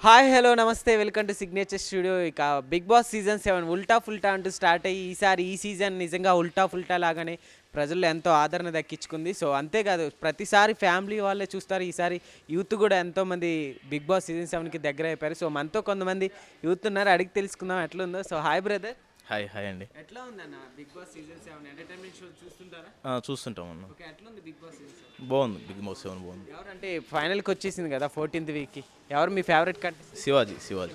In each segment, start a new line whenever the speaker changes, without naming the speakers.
Hi hello నమస్తే welcome to signature studio. ఇక Bigg Boss season 7 ఉల్టా ఫుల్టా అంటూ స్టార్ట్ అయ్యి ఈ సీజన్ నిజంగా ఉల్టా ఫుల్టా లాగానే ప్రజల్లో ఎంతో ఆదరణ దక్కించుకుంది. సో అంతేకాదు ప్రతిసారి ఫ్యామిలీ వాళ్ళే చూస్తారు, ఈసారి యూత్ కూడా ఎంతోమంది బిగ్ బాస్ సీజన్ 7కి దగ్గర అయిపోయారు. సో మనతో కొంతమంది యూత్ ఉన్నారు, అడిగి తెలుసుకుందాం ఎట్లుందో. So hi brother.
Hi hi అండి.
ఎట్లా ఉందన్న Bigg Boss season 7 entertainment show చూస్తుంటారా?
చూస్తుంటాం అన్న.
ఓకే, ఎట్లుంది బిగ్ బాస్ సీజన్ 7?
బాగుంది, బిగ్ బాస్ 7 బాగుంది.
ఎవరంటే ఫైనల్కి వచ్చేసింది కదా 14th వీక్కి, ఎవరు మీ ఫేవరెట్ కంటెస్టెంట్?
శివాజీ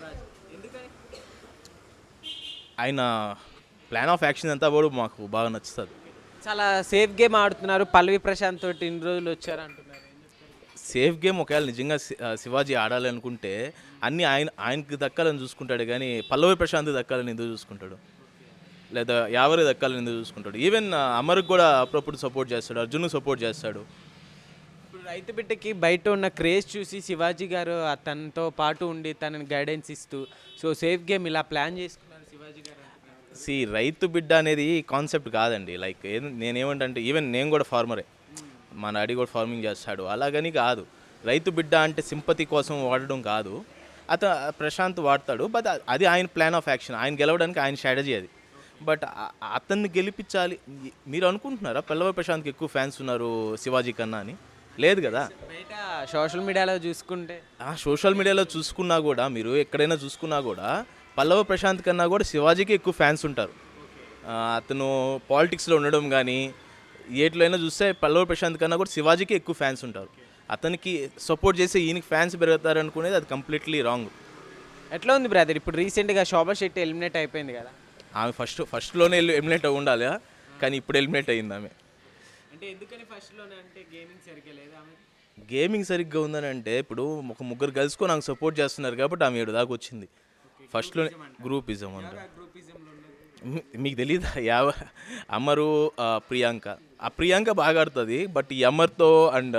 ఆయన ప్లాన్ ఆఫ్ యాక్షన్ అంతా కూడా మాకు బాగా నచ్చుతుంది.
చాలా సేఫ్ గేమ్ ఆడుతున్నారు. పల్లవి ప్రశాంత్ తోటి ఇన్ని రోజులు వచ్చారు అంటున్నారు.
సేఫ్ గేమ్ ఒకవేళ నిజంగా శివాజీ ఆడాలి అనుకుంటే అన్నీ ఆయనకి దక్కాలని చూసుకుంటాడు, కానీ పల్లవి ప్రశాంత్ దక్కాలని ఎందుకు చూసుకుంటాడు, లేదా ఎవరి దక్కాలని ఎందుకు చూసుకుంటాడు. ఈవెన్ అమర్కి కూడా అప్పుడప్పుడు సపోర్ట్ చేస్తాడు, అర్జున్కి సపోర్ట్ చేస్తాడు.
ఇప్పుడు రైతు బిడ్డకి బయట ఉన్న క్రేజ్ చూసి శివాజీ గారు తనతో పాటు ఉండి తనని గైడెన్స్ ఇస్తూ సో సేఫ్ గేమ్ ఇలా ప్లాన్ చేసుకున్నారు శివాజీ గారు.
రైతు బిడ్డ అనేది కాన్సెప్ట్ కాదండి. లైక్ నేనేమంటే ఈవెన్ నేను కూడా ఫార్మరే, మా డాడీ కూడా ఫార్మింగ్ చేస్తాడు, అలాగని కాదు. రైతు బిడ్డ అంటే సింపతి కోసం వాడడం కాదు. ప్రశాంత్ వాడతాడు, బట్ అది ఆయన ప్లాన్ ఆఫ్ యాక్షన్, ఆయన గెలవడానికి ఆయన స్ట్రాటజీ అది. బట్ అతన్ని గెలిపించాలి. మీరు అనుకుంటున్నారా పల్లవి ప్రశాంత్కి ఎక్కువ ఫ్యాన్స్ ఉన్నారు శివాజీ కన్నా అని? లేదు కదా.
బయట సోషల్ మీడియాలో చూసుకుంటే,
సోషల్ మీడియాలో చూసుకున్నా కూడా, మీరు ఎక్కడైనా చూసుకున్నా కూడా పల్లవి ప్రశాంత్ కన్నా కూడా శివాజీకి ఎక్కువ ఫ్యాన్స్ ఉంటారు. అతను పాలిటిక్స్లో ఉండడం కానీ ఏట్లైనా చూస్తే పల్లవి ప్రశాంత్ కన్నా కూడా శివాజీకి ఎక్కువ ఫ్యాన్స్ ఉంటారు. అతనికి సపోర్ట్ చేసి ఈయనకి ఫ్యాన్స్ పెరుగుతారు అనుకునేది అది కంప్లీట్లీ రాంగ్.
ఎట్లా ఉంది బ్రదర్? ఇప్పుడు రీసెంట్గా శోభా శెట్టి ఎలిమినేట్ అయిపోయింది కదా.
ఆమె ఫస్ట్లోనే ఎలిమినేట్ అయి ఉండాలి, కానీ ఇప్పుడు ఎలిమినేట్ అయింది ఆమె.
అంటే ఎందుకని ఫస్ట్లోనే? అంటే గేమింగ్ సరిగ్గా లేదా ఆమె?
గేమింగ్ సరిగ్గా ఉందని అంటే ఇప్పుడు ఒక ముగ్గురు కలుసుకొని ఆమె సపోర్ట్ చేస్తున్నారు కాబట్టి ఆమె 7 దాకా వచ్చింది. ఫస్ట్లోనే గ్రూపిజం అంటే మీకు తెలియదా? అమరు, ప్రియాంక బాగా ఆడుతుంది, బట్ ఈ అమర్తో అండ్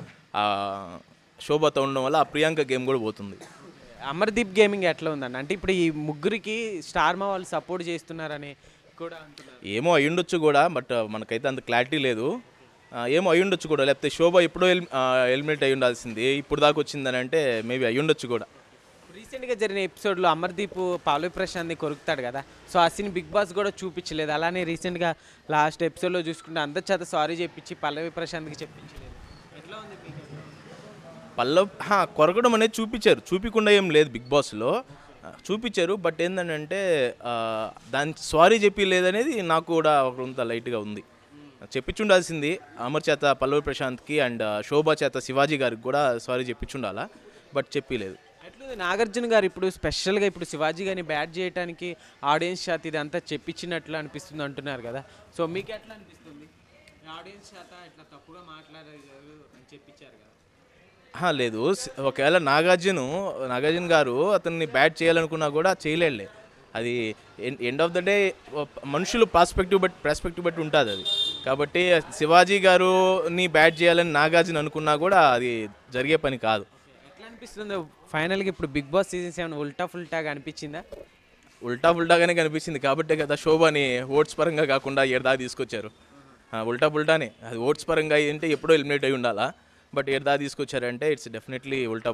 శోభతో ఉండడం వల్ల ఆ ప్రియాంక గేమ్ కూడా పోతుంది.
అమర్దీప్ గేమింగ్ ఎట్లా ఉందండి? అంటే ఇప్పుడు ఈ ముగ్గురికి స్టార్మా వాళ్ళు సపోర్ట్ చేస్తున్నారని కూడా అంటున్నారు.
ఏమో అయ్యుండొచ్చు కూడా, బట్ మనకైతే అంత క్లారిటీ లేదు. ఏమో అయ్యుండొచ్చు కూడా, లేకపోతే శోభ ఎప్పుడో ఎలిమినేట్ అయ్యి ఉండాల్సింది, ఇప్పుడు దాకా వచ్చిందని అంటే మేబీ అయ్యుండొచ్చు కూడా.
రీసెంట్గా జరిగిన ఎపిసోడ్లో అమర్దీప్ పల్లవి ప్రశాంత్ని కొరుకుతాడు కదా, సో ఆ సీన్ బిగ్ బాస్ కూడా చూపించలేదు. అలానే రీసెంట్గా లాస్ట్ ఎపిసోడ్లో చూసుకుంటే అందరి చేత సారీ చెప్పించి పల్లవి ప్రశాంత్కి చెప్పించలేదు. ఎట్లా ఉంది మీకు?
కొరకడం అనేది చూపించకుండా ఏం లేదు, బిగ్ బాస్లో చూపించారు. బట్ ఏంటంటే దాని సారీ చెప్పి లేదనేది నాకు కూడా కొంత లైట్గా ఉంది. చెప్పించుండాల్సింది అమర్ చేత పల్లవి ప్రశాంత్కి అండ్ శోభా చేత శివాజీ గారికి కూడా సారీ చెప్పించుండాలా, బట్ చెప్పలేదు.
ఎట్లుంది నాగార్జున గారు ఇప్పుడు స్పెషల్గా ఇప్పుడు శివాజీ గారిని బ్యాట్ చేయడానికి ఆడియన్స్ చేత ఇదంతా చెప్పించినట్లు అనిపిస్తుంది అంటున్నారు కదా, సో మీకు ఎట్లా అనిపిస్తుంది? ఆడియన్స్ చేత ఇట్లా తప్పుగా మాట్లాడారు అని చెప్పించారు కదా.
లేదు, ఒకవేళ నాగార్జున గారు అతన్ని బ్యాట్ చేయాలనుకున్నా కూడా చేయలేడులే. అది ఎండ్ ఆఫ్ ద డే మనుషులు పర్స్పెక్టివ్ బట్టి ఉంటుంది అది. కాబట్టి శివాజీ గారుని బ్యాట్ చేయాలని నాగార్జున అనుకున్నా కూడా అది జరిగే పని కాదు.
ఎట్లా అనిపిస్తుంది ఫైనల్గా ఇప్పుడు బిగ్ బాస్ సీజన్ 7 ఉల్టా ఫుల్టాగా అనిపించిందా?
ఉల్టాగానే కనిపించింది కాబట్టే కదా శోభని ఓట్స్ పరంగా కాకుండా 7 దాకా తీసుకొచ్చారు. ఉల్టానే అది ఓట్స్ పరంగా అంటే ఎప్పుడో ఎలిమినేట్ అయి ఉండాలా, బట్ 7 దాకా తీసుకొచ్చారంటే ఇట్స్ డెఫినెట్లీ ఉల్టా.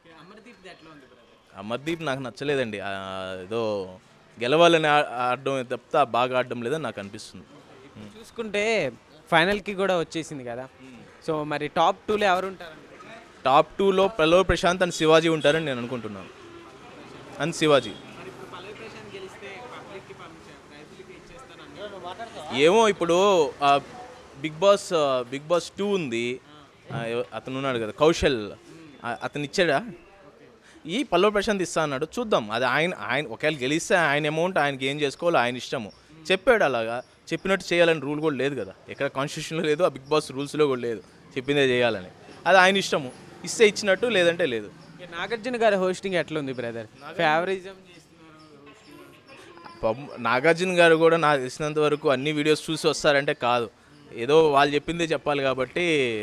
అమర్దీప్ నాకు నచ్చలేదండి. ఏదో గెలవాలని ఆడడం తప్ప బాగా ఆడడం లేదని నాకు అనిపిస్తుంది.
చూసుకుంటే ఫైనల్కి కూడా వచ్చేసింది కదా, సో మరి టాప్ 2లో ఎవరు ఉంటారు?
టాప్ 2లో పల్లవి ప్రశాంత్ అండ్ శివాజీ ఉంటారని నేను అనుకుంటున్నాను. అండ్ శివాజీ ఏమో ఇప్పుడు బిగ్ బాస్ 2 ఉంది, అతను ఉన్నాడు కదా కౌశల్, అతను ఇచ్చాడా? ఈ పల్లవి ప్రశాంత్ ఇస్తా అన్నాడు, చూద్దాం. అది ఆయన ఒకవేళ గెలిస్తే ఆయన అమౌంట్ ఆయనకి ఏం చేసుకోవాలో ఆయన ఇష్టము. చెప్పాడు, అలాగా చెప్పినట్టు చేయాలని రూల్ కూడా లేదు కదా, ఎక్కడ కాన్స్టిట్యూషన్లో లేదు, ఆ బిగ్ బాస్ రూల్స్లో కూడా లేదు చెప్పిందే చేయాలని. అది ఆయన ఇష్టము, ఇస్తే ఇచ్చినట్టు లేదంటే లేదు.
నాగార్జున గారి హోస్టింగ్ ఎట్లా ఉంది బ్రదర్? ఫేవరిజం
నాగార్జున గారు కూడా నాకు తెలిసినంత వరకు అన్ని వీడియోస్ చూసి వస్తారంటే కాదు, ఏదో వాళ్ళు చెప్పిందే చెప్పాలి కాబట్టి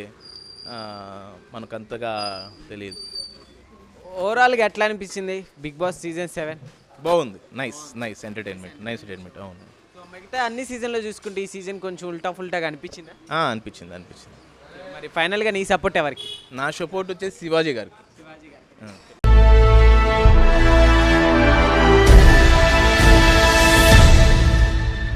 మనకు అంతగా తెలియదు.
ఓవరాల్గా ఎట్లా అనిపించింది బిగ్ బాస్ సీజన్ 7?
బాగుంది, నైస్ ఎంటర్టైన్మెంట్. అవును,
సో మిగతా అన్ని సీజన్లో చూసుకుంటే ఈ సీజన్ కొంచెం ఉల్టా ఫుల్టాగా అనిపించిందా?
అనిపించింది.
మరి ఫైనల్గా నీ సపోర్ట్ ఎవరికి?
నా సపోర్ట్ వచ్చేసి శివాజీ గారికి.